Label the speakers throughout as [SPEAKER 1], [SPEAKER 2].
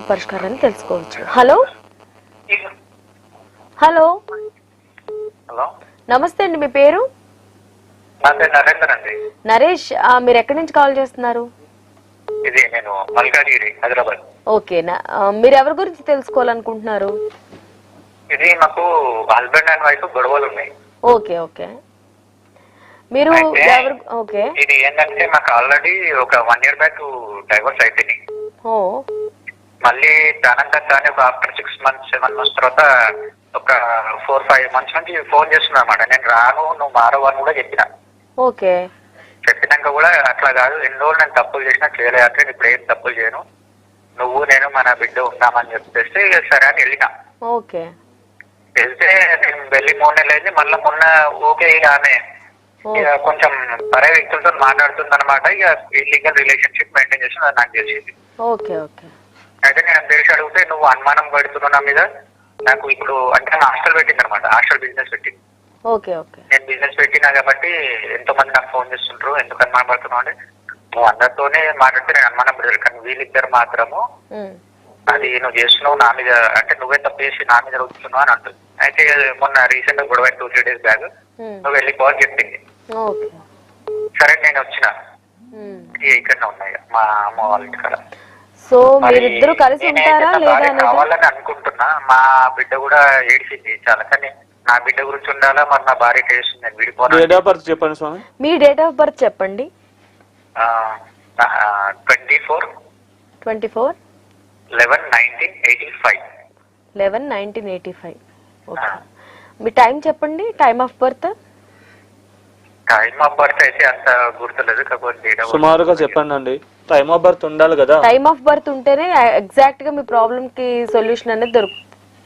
[SPEAKER 1] పరిష్కారాన్ని తెలుసుకోవచ్చు. Hello hello
[SPEAKER 2] hello,
[SPEAKER 1] నమస్తే అండి, మీ పేరు?
[SPEAKER 2] నా పేరు నరేందర్ అండి.
[SPEAKER 1] నరేష్, మీరు ఎక్కడి నుంచి కాల్ చేస్తున్నారు?
[SPEAKER 2] ఇది నేను మల్కాజిగిరి, హైదరాబాద్.
[SPEAKER 1] ఓకే, మీరు ఎవరి గురించి తెలుసుకోవాలనుకుంటున్నారు?
[SPEAKER 2] ఇది మాకు హస్బెండ్ అండ్ వైఫ్ గొడవలు ఉన్నాయి.
[SPEAKER 1] ఓకే ఓకే, మీరు ఎవరు? ఓకే,
[SPEAKER 2] ఇది ఏంటంటే మాకు ఆల్రెడీ ఒక 1 year బ్యాక్ డైవర్స్ అయిపోయింది.
[SPEAKER 1] ఓ
[SPEAKER 2] మళ్ళీ దానంతా ఒక ఆఫ్టర్ 6 months 7 months తర్వాత ఒక 4-5 months నుంచి ఫోన్ చేస్తున్నా అనమాట. నేను రాను, నువ్వు మారవు అని కూడా చెప్పిన.
[SPEAKER 1] ఓకే,
[SPEAKER 2] చెప్పినాక కూడా అట్లా కాదు, ఎన్ని రోజులు నేను తప్పులు చేసినా చేయలేక ఇప్పుడు ఏం తప్పులు చేయను, నువ్వు నేను మన బిడ్డ ఉన్నామని చెప్పేస్తే సరే అని వెళ్ళిన.
[SPEAKER 1] ఓకే,
[SPEAKER 2] వెళ్తే నేను వెళ్ళి 3 నెలలు అయింది. మళ్ళీ మొన్న ఓకే ఇక ఆమె ఇక కొంచెం పరే వ్యక్తులతో మాట్లాడుతుంది అనమాట. ఇక ఇల్లీగల్ రిలేషన్షిప్ మెయింటైన్ చేసి నాకు తెలిసింది.
[SPEAKER 1] ఓకే ఓకే,
[SPEAKER 2] అయితే నేను తెలిసి అడిగితే నువ్వు అనుమానం పడుతున్నావు నా మీద. నాకు ఇప్పుడు అంటే హాస్టల్ పెట్టింది అనమాట, హాస్టల్ బిజినెస్ పెట్టింది.
[SPEAKER 1] ఓకే ఓకే,
[SPEAKER 2] నేను బిజినెస్ పెట్టినా కాబట్టి ఎంతో మంది నాకు ఫోన్ చేస్తుంటారు, ఎందుకు అనుమానం పడుతున్నావు అంటే నువ్వు అందరితోనే మాట్లాడితే నేను అనుమానం పడలేదు, కానీ వీళ్ళిద్దరు మాత్రము అది నువ్వు చేస్తున్నావు నా మీద, అంటే నువ్వే తప్పు చేసి నా మీద రుస్తున్నావు అని అంటుంది. అయితే మొన్న రీసెంట్ గా గొడవ 2-3 days బ్యాక్ నువ్వు వెళ్ళిపోవాలి చెప్పింది. సరే నేను వచ్చిన ఇక్కడనే ఉన్నాయి మా అమ్మ వాళ్ళ ఇంటికాడ.
[SPEAKER 1] సో మీరిద్దరు కలిసి ఉంటారా లేదా
[SPEAKER 2] కావాలని అనుకుంటున్నా. మా బిడ్డ కూడా ఏడిచింది చాలా, కానీ నా బిడ్డ గురించి ఉండాలా, మరి నా భార్య చేస్తుంది నేను విడిపోను.
[SPEAKER 1] డేట్ ఆఫ్ బర్త్ చెప్పండి స్వామి. మీ డేట్ ఆఫ్ బర్త్ చెప్పండి.
[SPEAKER 2] 24/11/1985.
[SPEAKER 1] 11/1985. ఓకే, మీ టైం చెప్పండి, time of birth.
[SPEAKER 2] Time of birth అయితే అంత గుర్తులేదు, కాకపోతే
[SPEAKER 1] సుమారుగా చెప్పండి అండి. టైమ్ ఆఫ్ బర్త్ ఉండాలి కదా. టైమ్ ఆఫ్ బర్త్ ఉంటేనే ఎగ్జాక్ట్ గా మీ ప్రాబ్లం కి సొల్యూషన్ అనేది దొరుకుతుంది.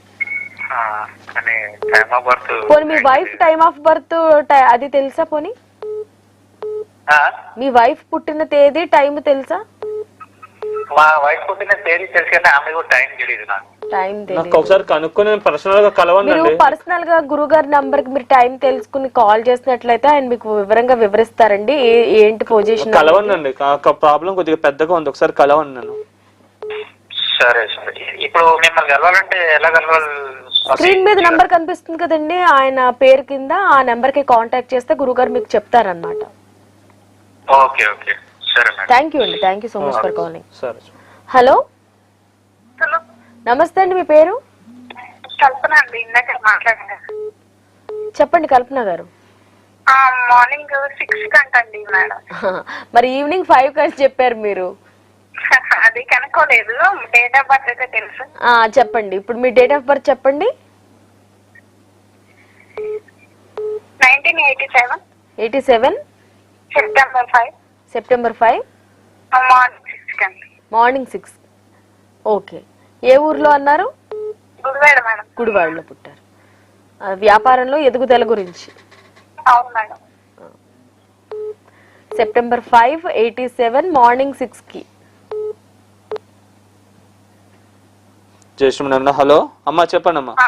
[SPEAKER 1] పోనీ మీ వైఫ్ టైమ్ ఆఫ్ బర్త్ అది తెలుసా? పోనీ మీ వైఫ్ పుట్టిన తేదీ టైం తెలుసా?
[SPEAKER 2] మా వైఫ్ పుట్టిన తేదీ తెలుసు కానీ ఆమె కూడా టైం తెలియదు నాకు.
[SPEAKER 1] టైం తెలియదు. ఒకసారి కనుక్కొని పర్సనల్ గా కలవండి. మీరు పర్సనల్ గా గురుగారి నంబర్ కి మీరు టైం తెలుసుకుని కాల్ చేసినట్లయితే ఆయన మీకు వివరంగా వివరిస్తారండి ఏంటి పొజిషన్. కలవండి, ప్రాబ్లం కొద్దిగా పెద్దగా ఉంది, ఒకసారి కలవండి నన్ను.
[SPEAKER 2] సరే సరే, ఇప్పుడు మిమ్మల్ని కలవాలంటే ఎలా కలవాలి?
[SPEAKER 1] స్క్రీన్ మీద నంబర్ కనిపిస్తుంది కదండి, ఆయన పేరు కింద ఆ నెంబర్ కి కాంటాక్ట్ చేస్తే గురుగారు మీకు చెప్తారన్నమాట.
[SPEAKER 2] ఓకే ఓకే, సరే మేడం.
[SPEAKER 1] థ్యాంక్ యూ అండి, thank you so much for calling. Hello నమస్తే అండి, మీ పేరు?
[SPEAKER 3] కల్పన అండి, ఇందాక మాట్లాడారు.
[SPEAKER 1] చెప్పండి కల్పన గారు.
[SPEAKER 3] మార్నింగ్ 6 కంటండి మేడం.
[SPEAKER 1] మరి ఈవినింగ్ 5 కంటే చెప్పారు మీరు.
[SPEAKER 3] అది కనుక్కోలేదు. డేట్ ఆఫ్ బర్త్ అయితే తెలుసు.
[SPEAKER 1] చెప్పండి, ఇప్పుడు మీ డేట్ ఆఫ్ బర్త్ చెప్పండి.
[SPEAKER 3] 1987.
[SPEAKER 1] 87 సెప్టెంబర్ 5 మార్నింగ్ 6. ఓకే, ఏ ఊర్లో అన్నారు?
[SPEAKER 3] గుడివాడ మేడం.
[SPEAKER 1] గుడివాడలో పుట్టారు. వ్యాపారంలో ఎదుగుదల గురించి.
[SPEAKER 3] అవును మేడం.
[SPEAKER 1] సెప్టెంబర్ 5, 87 మార్నింగ్ 6 కి.
[SPEAKER 4] జయశ్రీ. హలో అమ్మా, చెప్పండి అమ్మా.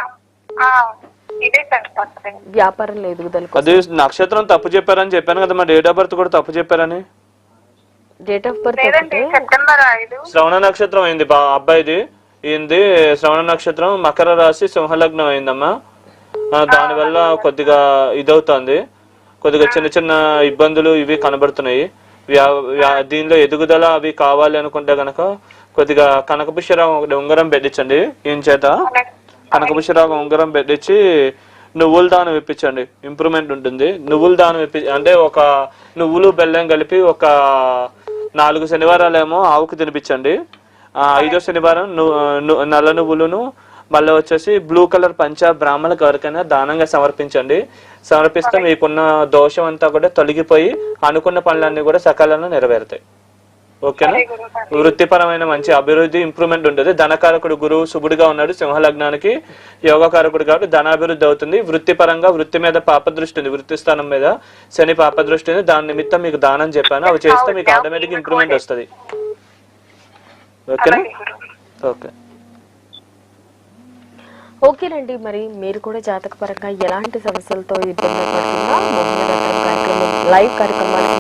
[SPEAKER 1] వ్యాపారంలో ఎదుగుదల.
[SPEAKER 4] అది నక్షత్రం తప్పు చెప్పారని చెప్పాను కదా, మా డేట్ ఆఫ్ బర్త్ కూడా తప్పు చెప్పారని.
[SPEAKER 1] డేట్ ఆఫ్ బర్త్
[SPEAKER 3] సెప్టెంబర్ 5
[SPEAKER 4] శ్రవణ నక్షత్రం అయింది అబ్బాయిది. ఏంది శ్రవణ నక్షత్రం, మకర రాశి, సింహలగ్నం అయిందమ్మా. దానివల్ల కొద్దిగా ఇదవుతుంది, కొద్దిగా చిన్న చిన్న ఇబ్బందులు ఇవి కనబడుతున్నాయి. దీనిలో ఎదుగుదల అవి కావాలి అనుకుంటే గనక కొద్దిగా కనకపుష్యరాగం ఒకటి ఉంగరం పెట్టించండి. ఏం చేత కనకపుష్యరాగం ఉంగరం పెట్టించి నువ్వుల దానం ఇప్పించండి, ఇంప్రూవ్మెంట్ ఉంటుంది. నువ్వుల దానం అంటే ఒక నువ్వులు బెల్లం కలిపి ఒక 4 శనివారాలేమో ఆవుకు తినిపించండి. 5వ శనివారం నల్ల నువ్వులను మళ్ళీ వచ్చేసి బ్లూ కలర్ పంచ బ్రాహ్మణులకు ఎవరికైనా దానంగా సమర్పించండి. సమర్పిస్తే మీకున్న దోషం అంతా కూడా తొలగిపోయి అనుకున్న పనులన్నీ కూడా సకాలంలో నెరవేరుతాయి. ఓకేనా? వృత్తిపరమైన మంచి అభివృద్ధి, ఇంప్రూవ్మెంట్ ఉంటుంది. ధనకారకుడు గురువు శుభుడుగా ఉన్నాడు సింహలగ్నానికి, యోగకారకుడు కాబట్టి ధనాభివృద్ధి అవుతుంది. వృత్తిపరంగా వృత్తి మీద పాపదృష్టి ఉంది, వృత్తి స్థానం మీద శని పాపదృష్టి ఉంది. దాని నిమిత్తం మీకు దానం చెప్పాను, అవి చేస్తే మీకు ఆటోమేటిక్ ఇంప్రూవ్మెంట్ వస్తుంది. ఓకేనా? ఓకే
[SPEAKER 1] ఓకేనండి. మరి మీరు కూడా జాతకపరంగా ఎలాంటి సమస్యలతో ఇబ్బంది పడుతున్నా లైవ్ కార్యక్రమాలు